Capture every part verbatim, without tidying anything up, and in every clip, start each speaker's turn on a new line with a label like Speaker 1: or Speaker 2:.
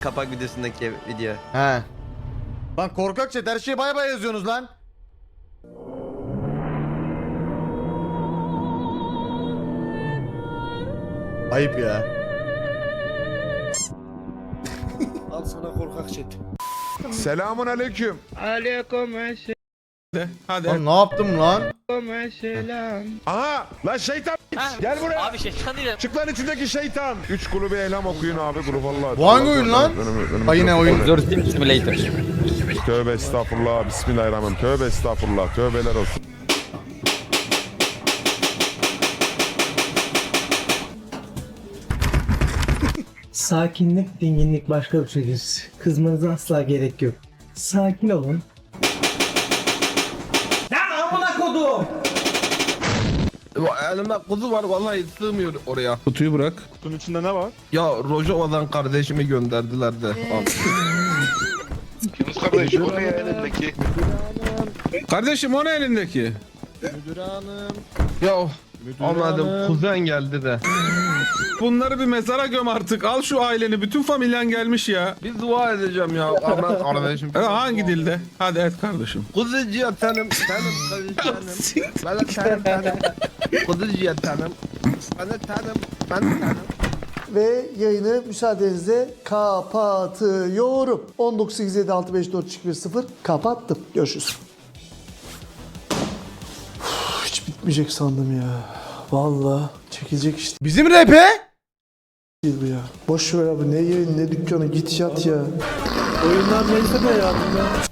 Speaker 1: Kapak videosundaki video.
Speaker 2: He. Lan korkak chat her şeyi bay bay yazıyorsunuz lan. Ayıp ya.
Speaker 3: Al sana korkak chat.
Speaker 4: Selamun aleyküm.
Speaker 5: Aleykümselam.
Speaker 4: Hadi.
Speaker 2: Lan ne yaptım lan?
Speaker 5: Selam.
Speaker 4: Aha lan şeytan. Gel buraya.
Speaker 6: Abi şeytan değil.
Speaker 4: Çık lan içindeki şeytan. Üç kulübe eylem okuyun abi grup Allah.
Speaker 2: Bu hangi oyun lan? Ha yine oyun.
Speaker 6: Zor Sim Simulator.
Speaker 4: Tövbe estağfurullah. Bismillahirrahmanirrahim. Tövbe estağfurullah. Tövbeler olsun.
Speaker 7: Sakinlik, dinginlik başka bir şeydir. Kızmanıza asla gerek yok. Sakin olun.
Speaker 8: Elimde kuzu var vallahi sığmıyor oraya.
Speaker 5: Kutuyu bırak.
Speaker 4: Kutunun içinde ne var?
Speaker 8: Ya Rojova'dan kardeşimi gönderdiler de. Al.
Speaker 9: Yunus kardeş o ne ya elindeki?
Speaker 5: Kardeşim o ne elindeki?
Speaker 8: Ya anladım kuzen geldi de.
Speaker 5: Bunları bir mezara göm artık. Al şu aileni. Bütün familyen gelmiş ya.
Speaker 8: Bir dua edeceğim ya. Aman kardeşim.
Speaker 5: E, hangi dilde? Hadi et kardeşim.
Speaker 8: Kuzucuya tanım. Tanım kuzucuya tanım. Ben de tanım tanım. Kuzucuya tanım. Ben de tanım. Ben de tanım.
Speaker 3: Ve yayını müsaadenizle kapatıyorum. on dokuz sekiz yedi altı beş dört iki bir sıfır kapattım. Görüşürüz. Uf, hiç bitmeyecek sandım ya. Vallahi çekilecek işte
Speaker 2: Bizim R P?
Speaker 3: değil bu ya. Boş ver abi, ne yayın ne dükkanı, git yat ya. Oyunlar neyse de ya.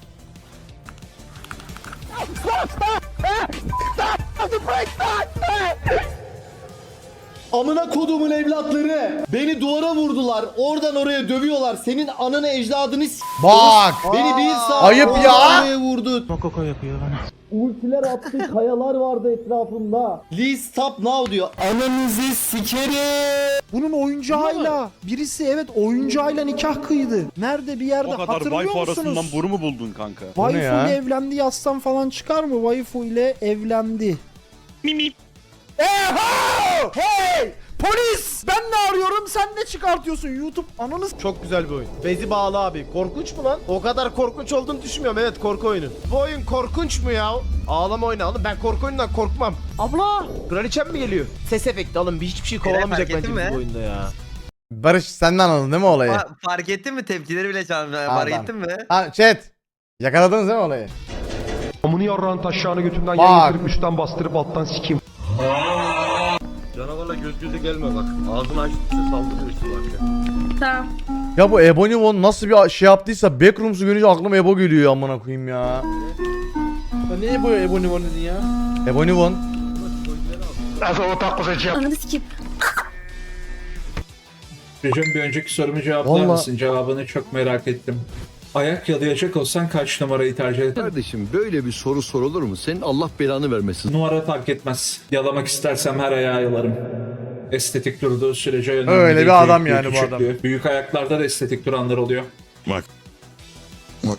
Speaker 3: Amına kodumun evlatları. Beni duvara vurdular. Oradan oraya dövüyorlar. Senin ananı ecdadını s***.
Speaker 2: Bak.
Speaker 3: Beni bir saat
Speaker 2: Ayıp
Speaker 3: oradan
Speaker 2: ya.
Speaker 3: oraya vurdu. Koko yapıyor bana. Ultiler attı, kayalar vardı etrafımda. Please stop now diyor. Ananızı sikerim. Bunun oyuncağıyla birisi evet oyuncağıyla nikah kıydı. Nerede bir yerde hatırlıyor musunuz?
Speaker 9: boru mu buldun kanka?
Speaker 3: Waifu
Speaker 2: ya?
Speaker 3: ile evlendi yazsam falan çıkar mı? Waifu ile evlendi.
Speaker 9: Mimi.
Speaker 3: Eho! Hey! Polis! Ben ne arıyorum? Sen ne çıkartıyorsun? YouTube ananız...
Speaker 2: Çok güzel bir oyun. Bezi bağlı abi. Korkunç mu lan? O kadar korkunç olduğunu düşünmüyorum. Evet korku oyunu. Bu oyun korkunç mu ya? Ağlama oyunu oğlum. Ben korku oyundan korkmam. Abla! Kraliçem mi geliyor? Ses efekti alın. Bir hiçbir şey kovalamayacak
Speaker 1: fark ettin
Speaker 2: bence
Speaker 1: mi?
Speaker 2: bu oyunda ya. Barış sen de anladın değil mi olayı?
Speaker 1: Fa- fark ettin mi? Tepkileri bile çalmıyor.
Speaker 2: Adam.
Speaker 1: Fark ettin mi?
Speaker 2: Ha chat. Yakaladınız değil mi olayı?
Speaker 4: Amını yarrağın taşağını götünden
Speaker 2: Bak.
Speaker 4: yayın getirip üstten bastırıp alttan sikeyim.
Speaker 8: Canavarla göz göze gelme bak. Ağzını açtıkça saldırıyor işte bak.
Speaker 10: Tamam.
Speaker 2: Ya bu Ebony One nasıl bir şey yaptıysa Backrooms'u görünce aklıma Ebo geliyor ya amına koyayım ya.
Speaker 3: Ne bu Ebony One dedin ya?
Speaker 2: Ebony One.
Speaker 10: Ananı sikeyim.
Speaker 5: Recep bir önceki sorumu cevaplar
Speaker 2: Vallahi-
Speaker 5: mısın? Cevabını çok merak ettim. Ayak yalayacak olsan kaç numarayı tercih eder?
Speaker 8: Kardeşim böyle bir soru sorulur mu? Senin Allah belanı vermesin.
Speaker 5: Numara fark etmez. Yalamak istersem her ayağı yalarım. Estetik durduğu sürece önemli
Speaker 2: Öyle
Speaker 5: değil.
Speaker 2: bir adam
Speaker 5: Büyüklüğü,
Speaker 2: yani bu adam.
Speaker 5: küçüklüğü. Büyük ayaklarda da estetik duranlar oluyor.
Speaker 4: Bak. Bak.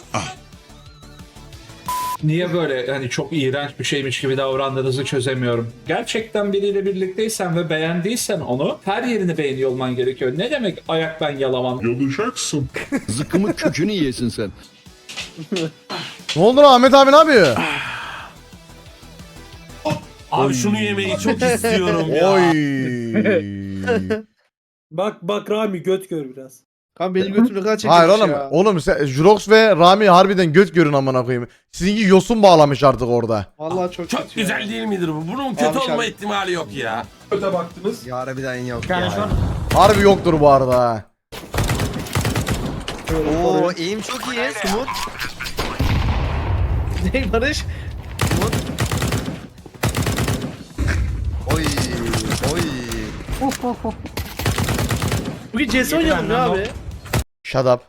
Speaker 5: Niye böyle hani çok iğrenç bir şeymiş gibi davrandığınızı çözemiyorum. Gerçekten biriyle birlikteysen ve beğendiysen onu her yerini beğeniyor olman gerekiyor. Ne demek ayak ben yalamam?
Speaker 4: Yalayacaksın.
Speaker 8: Zıkkımın kökünü yiyesin sen.
Speaker 2: Ne oldu lan Ahmet abi ne yapıyor?
Speaker 9: Abi şunu yemeyi çok istiyorum ya.
Speaker 2: Oy.
Speaker 7: Bak bak Rami göt gör biraz.
Speaker 3: Kan benim götümü kaç
Speaker 2: Hayır oğlum. Oğlum sen, Jurox ve Rami harbiden göt görün amına koyayım. Sizinki yosun bağlamış artık orada.
Speaker 3: Vallahi çok
Speaker 9: Çok güzel değil midir bu? Bunun kötü
Speaker 3: Abi,
Speaker 9: olma
Speaker 3: abi.
Speaker 9: ihtimali yok ya.
Speaker 5: Öte baktınız.
Speaker 1: Ya harbiden yok ya.
Speaker 2: Harbi yoktur bu arada ha.
Speaker 1: Oo eğim çok iyi. Smooth.
Speaker 3: Ne Barış?
Speaker 1: Oy. Oy.
Speaker 3: Bugün C S oynayalım ya abi.
Speaker 2: Shut up.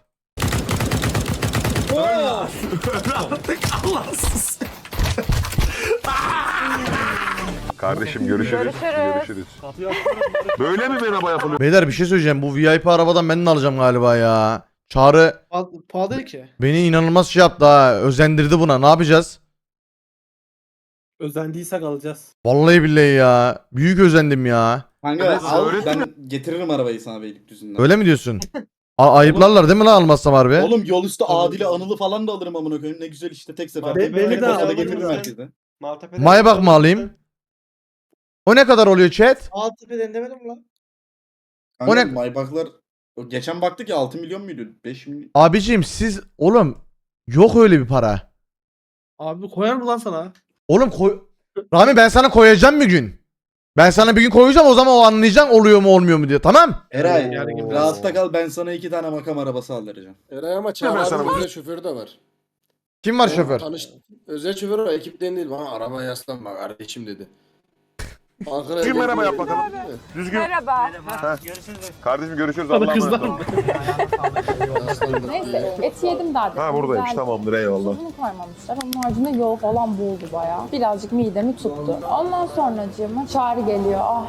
Speaker 4: Kardeşim görüşürüz. Görüşürüz. Böyle mi merhaba yapılıyor?
Speaker 2: Beyler bir şey söyleyeceğim. Bu V I P arabadan ben de alacağım galiba ya. Çağrı
Speaker 3: Pahalı değil ki.
Speaker 2: beni inanılmaz şey yaptı ha. Özendirdi buna. Ne yapacağız?
Speaker 7: Özendiysek alacağız.
Speaker 2: Vallahi billahi ya. Büyük özendim ya.
Speaker 4: Kanka, al,
Speaker 9: ben getiririm arabayı sana Beylikdüzü'nden.
Speaker 2: Öyle mi diyorsun?
Speaker 6: A- ayıplarlar değil mi lan almazsam harbi?
Speaker 3: Oğlum yol üstü Adil'i Anıl'ı falan da alırım amına koyayım. Ne güzel işte tek seferde.
Speaker 8: Be- beni
Speaker 3: Tek
Speaker 8: de
Speaker 3: başına
Speaker 8: al,
Speaker 3: getiririm
Speaker 8: lütfen.
Speaker 3: herkese.
Speaker 8: Maltepe'den
Speaker 6: Maybach mı alayım? O ne kadar oluyor chat?
Speaker 8: Maltepe'den demedim lan.
Speaker 6: O ne-
Speaker 3: Kanka Maybach'lar o geçen baktık ya altı milyon muydu? beş milyon.
Speaker 6: Abiciğim siz oğlum yok öyle bir para.
Speaker 8: Abi koyar mı lan sana?
Speaker 6: Oğlum koy... Rami ben sana koyacağım bir gün. Ben sana bir gün koyacağım o zaman o anlayacaksın oluyor mu olmuyor mu diye tamam?
Speaker 3: Eray
Speaker 8: Yarın gibi.
Speaker 3: rahatta kal ben sana iki tane makam arabası aldıracağım.
Speaker 10: Eray ama Çağrı abi özel şoförü de var.
Speaker 6: Kim var şoför?
Speaker 10: Tanış, özel şoför o ekipten değil bana arabaya yaslanma kardeşim dedi. Ankara
Speaker 4: Düzgün merhaba yap
Speaker 10: Ehliyeti
Speaker 4: bakalım.
Speaker 10: verdi mi?
Speaker 4: Düzgün.
Speaker 11: Merhaba.
Speaker 4: Kardeşim görüşürüz.
Speaker 8: Bana
Speaker 4: Allah'a
Speaker 8: kızlar
Speaker 4: emanet ol.
Speaker 8: mı?
Speaker 10: Yaslandı.
Speaker 11: Neyse et yedim daha dedim.
Speaker 4: Ha buradaymış tamamdır eyvallah.
Speaker 11: Bunu koymamışlar. Onun haricinde yol falan buldu bayağı. Birazcık midemi tuttu. Ondan sonracığıma Çağrı geliyor. Ah.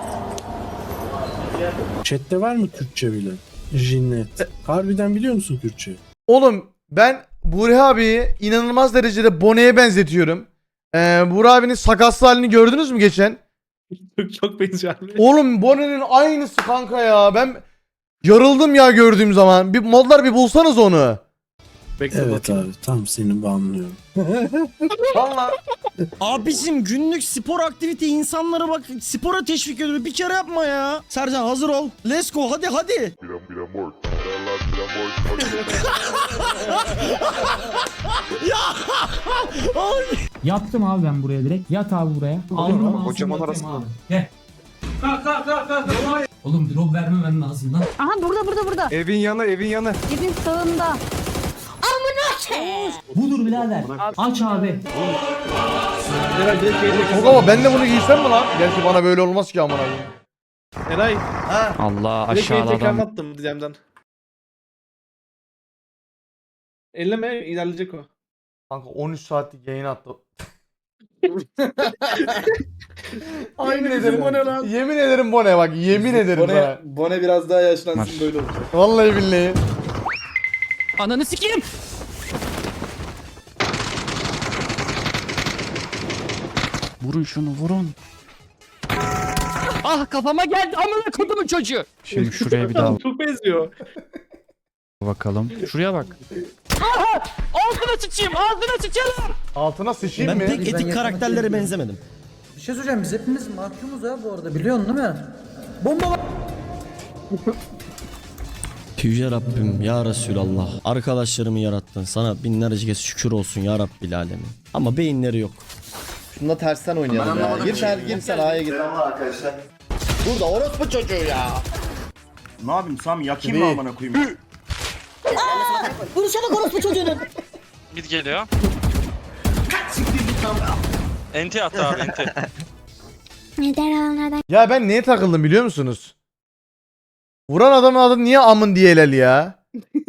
Speaker 12: Chat'te var mı Türkçe bilen? Jinnet. Harbiden biliyor musun Türkçe?
Speaker 6: Oğlum ben Burhi abiyi inanılmaz derecede Bone'ye benzetiyorum. Ee, Burhi abinin sakaslı halini gördünüz mü geçen?
Speaker 8: Çok çok benziyor abi.
Speaker 6: Oğlum Bone'nin aynısı kanka ya. Ben yarıldım ya gördüğüm zaman. Bir modlar bir bulsanız onu.
Speaker 8: Bekle
Speaker 12: Evet
Speaker 8: bakayım.
Speaker 12: abi tam seni banlıyorum.
Speaker 6: Vallahi.
Speaker 7: Abicim günlük spor aktivite insanlara bak spora teşvik ediyor. Bir kere yapma ya. Sercan hazır ol. Let's go hadi hadi. Yattım abi ben buraya direkt. Yat abi buraya. Aldım ağzını
Speaker 4: kocaman
Speaker 7: yatayım
Speaker 4: arasında.
Speaker 7: abi. Gel. Kalk kalk kalk kalk. Oğlum drop vermemen lazım lan.
Speaker 11: Aha burada burada burada.
Speaker 8: Evin yanı evin yanı.
Speaker 11: Evin sağında.
Speaker 7: Budur birader. Aç abi.
Speaker 8: Eray direkt gelecek.
Speaker 6: Yok ama ben de bunu giysem mi lan? Gerçi bana böyle olmaz ki amına koyayım.
Speaker 8: Eray
Speaker 7: Allah
Speaker 8: direkt beni tekrar attım diyemden. Elleme ilerleyecek o.
Speaker 6: Kanka on üç saatlik yayın attı. Yemin ederim
Speaker 8: Bone lan.
Speaker 6: Yemin ederim Bone bak yemin ederim
Speaker 3: Bone,
Speaker 6: sana.
Speaker 3: Bone biraz daha yaşlansın böyle olacak.
Speaker 6: Vallahi billahi.
Speaker 7: Ananı sikeyim. Vurun şunu vurun. Ah kafama geldi amına kodumun çocuğu.
Speaker 8: Şimdi şuraya bir daha çok benziyor.
Speaker 7: Bakalım. Şuraya bak. Aha! Ağzına sıçayım, ağzına sıçalım.
Speaker 6: Altına sıçayım mı?
Speaker 7: etik karakterlere benzemedim.
Speaker 12: Bir şey söyleyeceğim biz hepimiz mahkumuz ha bu arada biliyorsun değil mi? Bomba var.
Speaker 7: Yüce Rabbim ya Resulallah. Arkadaşlarımı yarattın. Sana binlerce kez şükür olsun ya Rabbil alemin. Ama beyinleri yok.
Speaker 3: Şunda tersten oynayalım ya. Gir sen gir sen A'ya gir. Arkadaşlar. Burada orospu çocuğu ya.
Speaker 10: Ne yapayım Sam yakayım mı amına koyayım?
Speaker 7: Vursana orospu çocuğunu.
Speaker 9: Mid geliyor. Enti attı abi enti.
Speaker 6: Ya ben neye takıldım biliyor musunuz? Vuran adamın adı niye amın diyelel ya?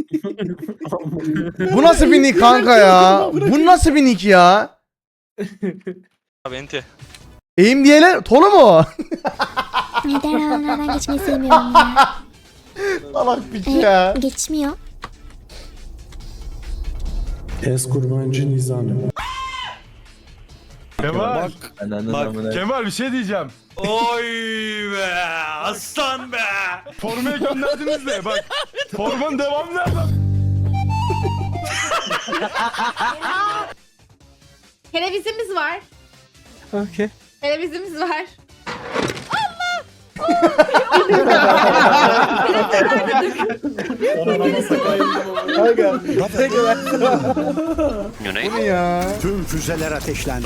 Speaker 6: Bu nasıl bir nick kanka ya? Bu nasıl bir nick ya?
Speaker 9: Abi enti.
Speaker 6: Eğim diyelel Tolu mu o?
Speaker 11: Neden alanlardan geçmeyi sevmiyorum ya.
Speaker 6: Salak piç ya.
Speaker 11: Geçmiyor.
Speaker 12: Es kurbancı nizami.
Speaker 8: Kemal.
Speaker 1: Bak
Speaker 8: Kemal bir şey diyeceğim.
Speaker 1: Oy be aslan be.
Speaker 8: Formaya gönderdiniz de bak. Formanın devamı nerede?
Speaker 11: Televizimiz var.
Speaker 8: Okey.
Speaker 11: Televizimiz var.
Speaker 9: Güney.
Speaker 6: Bu ne ya?
Speaker 12: Tüm füzeler ateşlendi.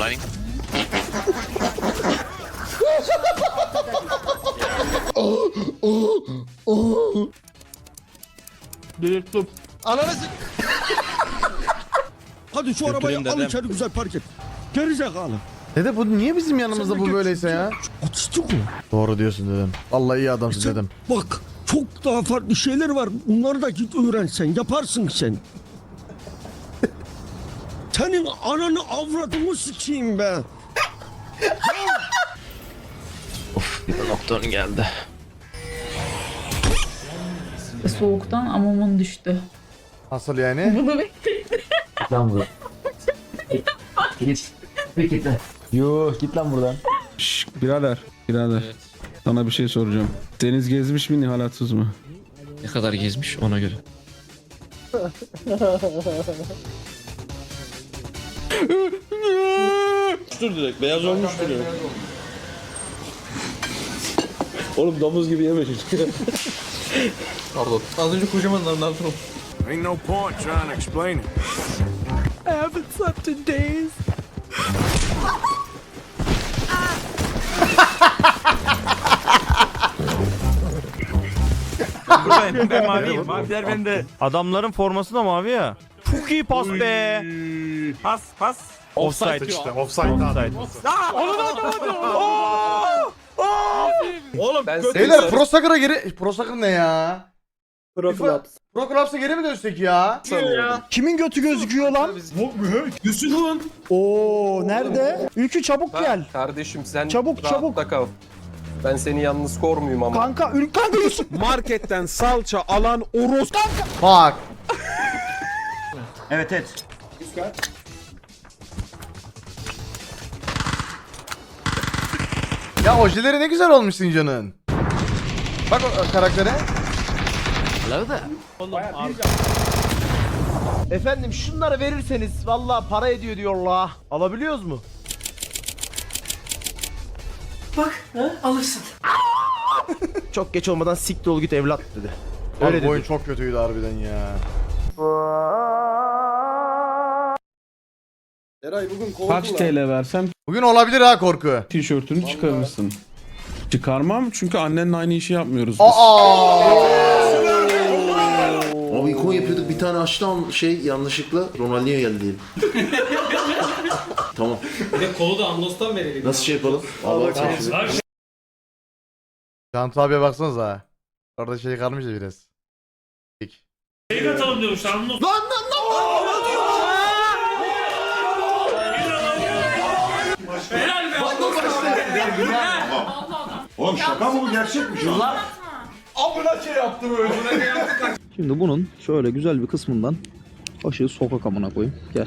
Speaker 8: Delirttim.
Speaker 6: Ananı s-
Speaker 7: Hadi şu arabayı al içeri güzel park et. Gerizekalı.
Speaker 6: Dede bu niye bizim yanımızda bu böyleyse ya?
Speaker 7: Atıştık mı?
Speaker 6: Doğru diyorsun dedim. Vallahi iyi adamsın dedim.
Speaker 7: Bak çok daha farklı şeyler var. Bunları da git öğrensen. Yaparsın sen. Senin ananı avradını sikeyim be.
Speaker 9: Doktorun geldi.
Speaker 11: Soğuktan amamın düştü.
Speaker 6: Nasıl yani?
Speaker 11: Bunu bekledim.
Speaker 12: Şşş birader. Birader. Sana bir şey soracağım. Deniz gezmiş mi Nihal Atsız mı?
Speaker 9: Ne kadar gezmiş ona göre.
Speaker 1: Dur direkt beyaz olmuştur ya. Oğlum domuz gibi yeme çocuk.
Speaker 12: Pardon. Az önce kocaman lan lan.
Speaker 8: Ain't no point trying to explain it. I haven't slept in days.
Speaker 1: Ben, ben maviyim. Maviler bende. Adamların forması da mavi ya. Çok iyi pas be. Pas pas. Offside işte. Offside. Offside.
Speaker 8: Oğlum ben
Speaker 6: Beyler Pro Soccer'a geri... Pro Soccer ne ya?
Speaker 10: Pro Clubs.
Speaker 6: Pro Clubs'a geri mi dönsek ya?
Speaker 3: Kimin götü gözüküyor lan?
Speaker 8: Yusuf'un.
Speaker 3: Oo nerede? Ülkü çabuk gel.
Speaker 10: Kardeşim sen
Speaker 3: Çabuk,
Speaker 10: rahatta
Speaker 3: çabuk.
Speaker 10: kal. Ben seni yalnız kormuyum ama.
Speaker 3: Kanka Ül kanka Yusuf.
Speaker 8: Marketten salça alan Oros.
Speaker 6: Bak.
Speaker 1: Evet evet.
Speaker 6: Ya ojeleri ne güzel olmuş Sincan'ın. Bak o karaktere.
Speaker 2: Efendim şunları verirseniz vallahi para ediyor diyorlar. Alabiliyoruz mu?
Speaker 12: Alırsın.
Speaker 2: Çok geç olmadan siktir ol git evlat dedi.
Speaker 6: Öyle
Speaker 2: Öyle
Speaker 6: Abi bu oyun
Speaker 2: dedi.
Speaker 6: çok kötüydü harbiden ya.
Speaker 10: Eray bugün kovdu
Speaker 8: Kaç
Speaker 10: lan.
Speaker 8: T L versem
Speaker 6: Bugün olabilir ha korku.
Speaker 8: tişörtünü çıkarırsın. Çıkarmam çünkü annenle aynı işi yapmıyoruz biz.
Speaker 6: Aa!
Speaker 3: Abi ikon yapıyorduk bir tane açtı şey yanlışlıkla Ronaldinho geldi diyelim. Tamam.
Speaker 12: Bir de kolu da Amlos'tan verelim.
Speaker 3: Nasıl şey yapalım? Allah
Speaker 6: Cantu abiye baksanıza ha. Orada şey kalmış ya biraz.
Speaker 1: Şey atalım diyormuş. Lan lan
Speaker 4: Oğlum şaka mı bu gerçek mi şu an?
Speaker 12: Şimdi bunun şöyle güzel bir kısmından aşığı sokak amına koyayım. Gel.